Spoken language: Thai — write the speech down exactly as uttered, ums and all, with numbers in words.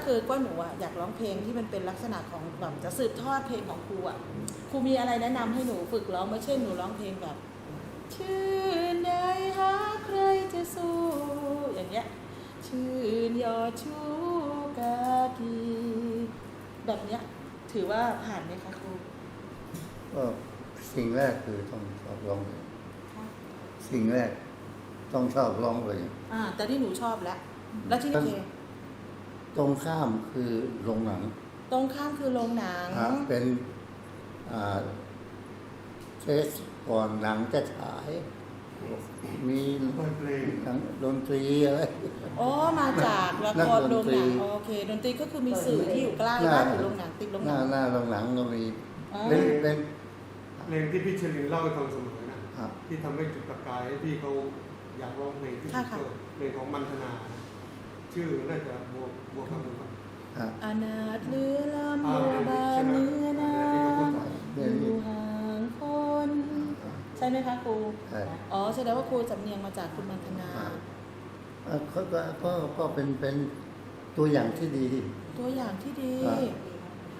คือก็หนูอะอยากร้องเพลงที่มันเป็นลักษณะของแบบจะสืบทอดเพลงของครูอะครูมีอะไรแนะนำให้หนูฝึกร้องไม่เช่นหนูร้องเพลงแบบชื่นใดหาใครจะสู้อย่างเงี้ยชื่นยอดชูกากีแบบเนี้ยถือว่าผ่านไหมคะครูก็สิ่งแรกคือต้องชอบร้องเพลงสิ่งแรกต้องชอบร้องเพลงอ่าแต่ที่หนูชอบแล้วแล้วที่นี่เพลงตรงข้ามคือโรงหนังตรงข้ามคือโรงหนังอ่ะเป็นอ่าเทสก่อนหนังจะฉาย มีหนังดนตรีอะไรอ๋อมาจากละครโรงหนังโอเคดนตรีก็คือมีสื่อที่อยู่ใกล้บ้านอยู่โรงหนังติดโรงหหนัน้าง หน้าโรงหนังก็มีอ๋อเป็นเป็นเพลงที่พี่เชลินเล่าให้ฟังเสมอนะอ่ะที่ทำให้จุดประกายให้พี่เขาอยากร้องเพลงที่สุดก็เพลงของมันธนา ชื่อน่าจะบวกบวกคำหนึ่งก่อนอ่ะอนาถเรือลำโบบานเนื้อนาอยู่ห่างคนใช่ไหมคะครูใช่อ๋อแสดงว่าครูสำเนียงมาจากคุณมันธนาอ่ะก็ก็ก็ก็เป็นเป็นตัวอย่างที่ดีตัวอย่างที่ดีอ่ะ